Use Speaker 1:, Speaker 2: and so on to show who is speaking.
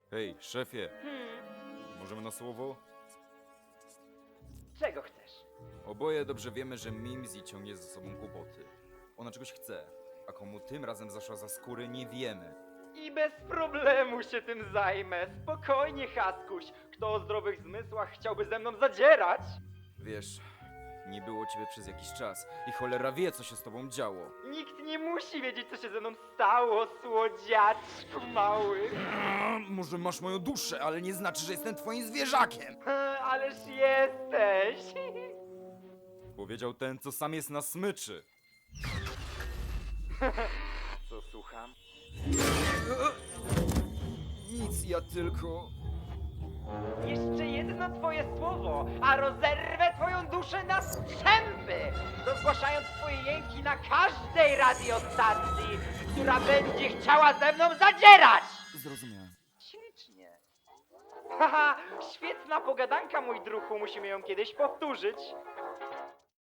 Speaker 1: Hej, szefie, możemy na słowo?
Speaker 2: Czego chcesz?
Speaker 1: Oboje dobrze wiemy, że Mimsy ciągnie ze sobą kłopoty. Ona czegoś chce, a komu tym razem zaszła za skóry, nie wiemy.
Speaker 2: I bez problemu się tym zajmę. Spokojnie, Haskuś. Kto o zdrowych zmysłach chciałby ze mną zadzierać?
Speaker 1: Wiesz, nie było ciebie przez jakiś czas i cholera wie, co się z tobą działo.
Speaker 2: Nikt nie musi wiedzieć, co się ze mną stało, słodziaczku mały.
Speaker 1: Może masz moją duszę, ale nie znaczy, że jestem twoim zwierzakiem!
Speaker 2: Ależ jesteś.
Speaker 1: Powiedział ten, co sam jest na smyczy.
Speaker 2: Co słucham?
Speaker 1: Nic, ja tylko...
Speaker 2: Jeszcze jedno twoje słowo, a rozerwę twoją duszę na strzępy, rozgłaszając twoje jęki na każdej radiostacji, która będzie chciała ze mną zadzierać!
Speaker 1: Zrozumiałem.
Speaker 2: Ślicznie. Haha, świetna pogadanka, mój druhu, musimy ją kiedyś powtórzyć.